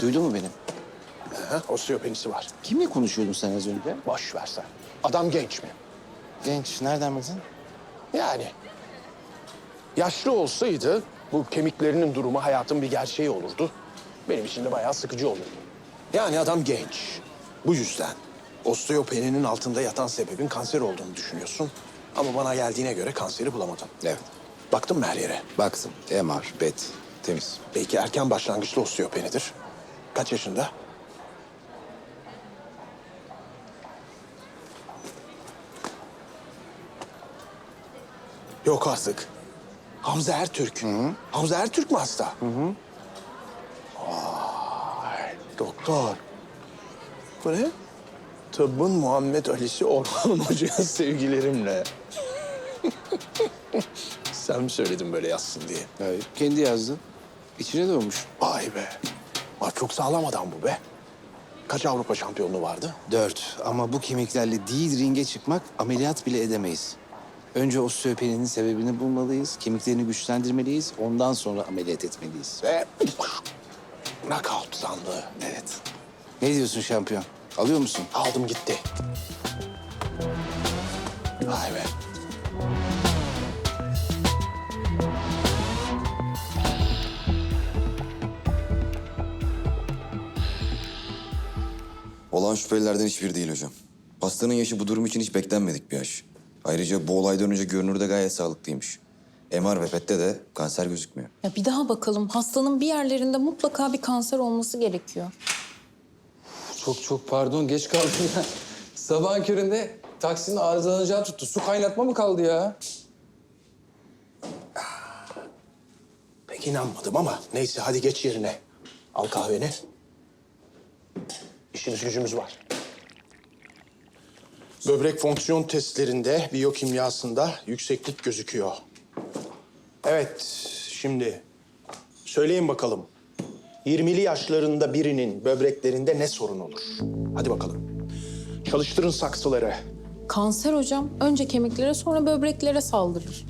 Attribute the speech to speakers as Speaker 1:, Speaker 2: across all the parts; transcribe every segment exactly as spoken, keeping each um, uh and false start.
Speaker 1: Duydun mu beni?
Speaker 2: Aha, osteopenisi var.
Speaker 1: Kimle konuşuyordun sen az önce?
Speaker 2: Boş ver sen. Adam genç mi?
Speaker 1: Genç. Nereden bildin?
Speaker 2: Yani. Yaşlı olsaydı bu kemiklerinin durumu hayatın bir gerçeği olurdu. Benim için de bayağı sıkıcı olurdu. Yani adam genç. Bu yüzden osteopeninin altında yatan sebebin kanser olduğunu düşünüyorsun. Ama bana geldiğine göre kanseri bulamadın.
Speaker 1: Evet.
Speaker 2: Baktın mı her yere?
Speaker 1: Baktım. M R, B E T. Temiz.
Speaker 2: Belki erken başlangıçlı osteopenidir. Kaç yaşında? Yok artık. Hamza Ertürk. Hı hı. Hamza Ertürk mü hasta? Hı hı. Vay, doktor. Bu ne? Tıbbın Muhammed Ali'si Orhan Hoca'ya sevgilerimle. Sen mi söyledin böyle yazsın diye?
Speaker 1: Hayır. Kendi yazdı. İçine doğmuş.
Speaker 2: Vay be. Vay, çok sağlam adam bu be. Kaç Avrupa şampiyonluğu vardı?
Speaker 1: Dört. Ama bu kemiklerle değil ringe çıkmak ameliyat bile edemeyiz. Önce osteopeninin sebebini bulmalıyız, kemiklerini güçlendirmeliyiz, ondan sonra ameliyat etmeliyiz.
Speaker 2: Ve knockout sandığı.
Speaker 1: Evet. Ne diyorsun şampiyon? Alıyor musun?
Speaker 2: Aldım gitti. Vay be.
Speaker 3: Olan şüphelilerden hiçbiri değil hocam. Hastanın yaşı bu durum için hiç beklenmedik bir yaş. Ayrıca bu olaydan önce görünürde gayet sağlıklıymış. M R ve P E T'te de kanser gözükmüyor.
Speaker 4: Ya bir daha bakalım. Hastanın bir yerlerinde mutlaka bir kanser olması gerekiyor.
Speaker 5: Çok çok pardon geç kaldım ya. Sabahın köründe taksinin arızalanacağı tuttu. Su kaynatma mı kaldı ya?
Speaker 2: Pek inanmadım ama neyse hadi geç yerine. Al kahveni. İşimiz gücümüz var. Böbrek fonksiyon testlerinde, biyokimyasında yükseklik gözüküyor. Evet, şimdi söyleyin bakalım. yirmili yaşlarında birinin böbreklerinde ne sorun olur? Hadi bakalım. Çalıştırın saksıları.
Speaker 4: Kanser hocam önce kemiklere sonra böbreklere saldırır.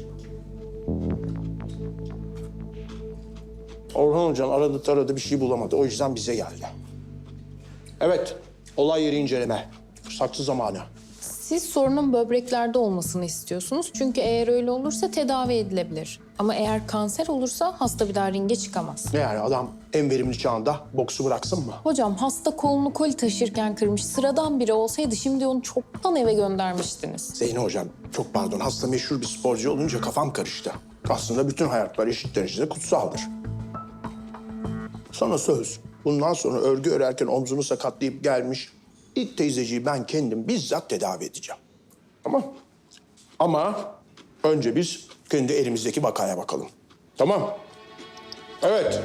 Speaker 2: Orhan Hocam aradı taradı bir şey bulamadı. O yüzden bize geldi. Evet, olay yeri inceleme. Saksı zamanı.
Speaker 4: Siz sorunun böbreklerde olmasını istiyorsunuz. Çünkü eğer öyle olursa tedavi edilebilir. Ama eğer kanser olursa hasta bir daha ringe çıkamaz.
Speaker 2: Ne yani adam en verimli çağında boksu bıraksın mı?
Speaker 4: Hocam hasta kolunu koli taşırken kırmış sıradan biri olsaydı şimdi onu çoktan eve göndermiştiniz.
Speaker 2: Zeyno Hocam, çok pardon. Hasta meşhur bir sporcu olunca kafam karıştı. Aslında bütün hayatlar eşit derecede kutsaldır. Sana söz. Bundan sonra örgü örerken omzunu sakatlayıp gelmiş ilk teyzeciyi ben kendim bizzat tedavi edeceğim. Tamam. Ama önce biz kendi elimizdeki vakaya bakalım. Tamam. Evet.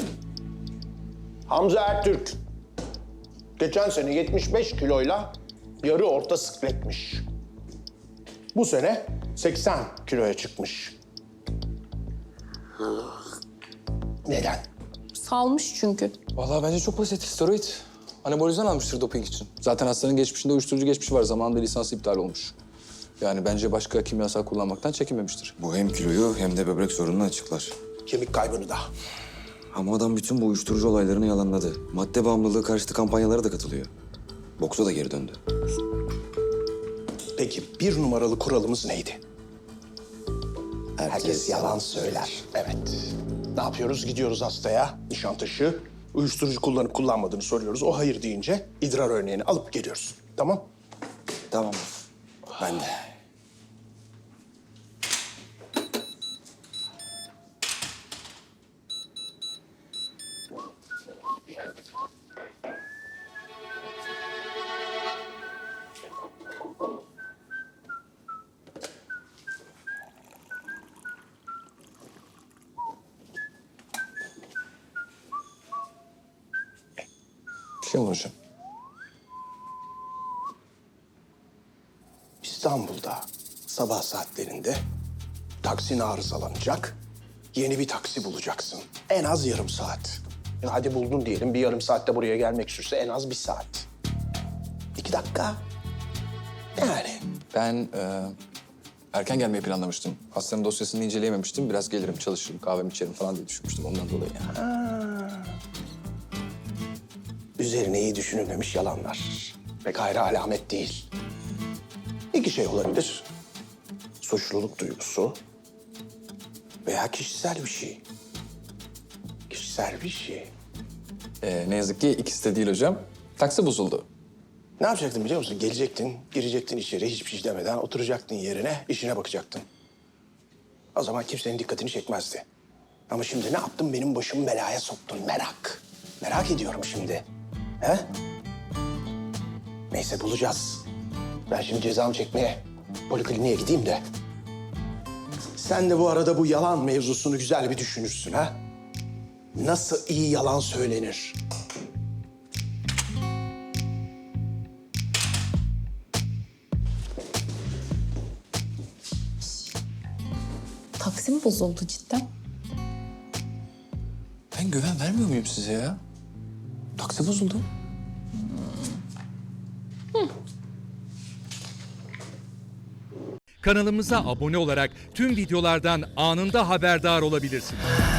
Speaker 2: Hamza Ertürk. Geçen sene yetmiş beş kiloyla yarı orta sikletmiş. Bu sene seksen kiloya çıkmış. Neden?
Speaker 4: Salmış çünkü.
Speaker 5: Vallahi bence çok basit. Steroid. Anabolizan almıştır doping için. Zaten hastanın geçmişinde uyuşturucu geçmişi var. Zamanında lisansı iptal olmuş. Yani bence başka kimyasal kullanmaktan çekinmemiştir.
Speaker 3: Bu hem kiloyu hem de böbrek sorununu açıklar.
Speaker 2: Kemik kaybını da.
Speaker 3: Ama adam bütün bu uyuşturucu olaylarını yalanladı. Madde bağımlılığı karşıtı kampanyalara da katılıyor. Boksa da geri döndü.
Speaker 2: Peki bir numaralı kuralımız neydi?
Speaker 1: Herkes,
Speaker 2: Herkes yalan söyler. Evet. Ne yapıyoruz? Gidiyoruz hastaya, Nişantaşı. Uyuşturucu kullanıp kullanmadığını soruyoruz. O hayır deyince idrar örneğini alıp geliyoruz. Tamam?
Speaker 1: Tamam. Ben de.
Speaker 5: Bir şey olur hocam.
Speaker 2: İstanbul'da sabah saatlerinde taksin arızalanacak. Yeni bir taksi bulacaksın. En az yarım saat. Ya hadi buldun diyelim. Bir yarım saatte buraya gelmek sürse en az bir saat. İki dakika. Yani.
Speaker 5: Ben e, erken gelmeyi planlamıştım. Hastanın dosyasını inceleyememiştim. Biraz gelirim, çalışırım, kahvemi içerim falan diye düşünmüştüm ondan dolayı yani.
Speaker 2: üzerine iyi düşünülmemiş yalanlar. Pek hayra alamet değil. İki şey olabilir. Suçluluk duygusu veya kişisel bir şey. Kişisel bir şey.
Speaker 5: Ee, ne yazık ki ikisi de değil hocam. Taksi bozuldu.
Speaker 2: Ne yapacaktın biliyor musun? Gelecektin, girecektin içeri hiçbir şey demeden oturacaktın yerine, işine bakacaktın. O zaman kimsenin dikkatini çekmezdi. Ama şimdi ne yaptın? Benim başımı belaya soktun. Merak. Merak ediyorum şimdi. He? Neyse bulacağız. Ben şimdi cezamı çekmeye polikliniğe gideyim de. Sen de bu arada bu yalan mevzusunu güzel bir düşünürsün ha? Nasıl iyi yalan söylenir?
Speaker 4: Taksi mi bozuldu cidden?
Speaker 5: Ben güven vermiyor muyum size ya? Taksi bozuldu.
Speaker 6: Kanalımıza abone olarak tüm videolardan anında haberdar olabilirsiniz.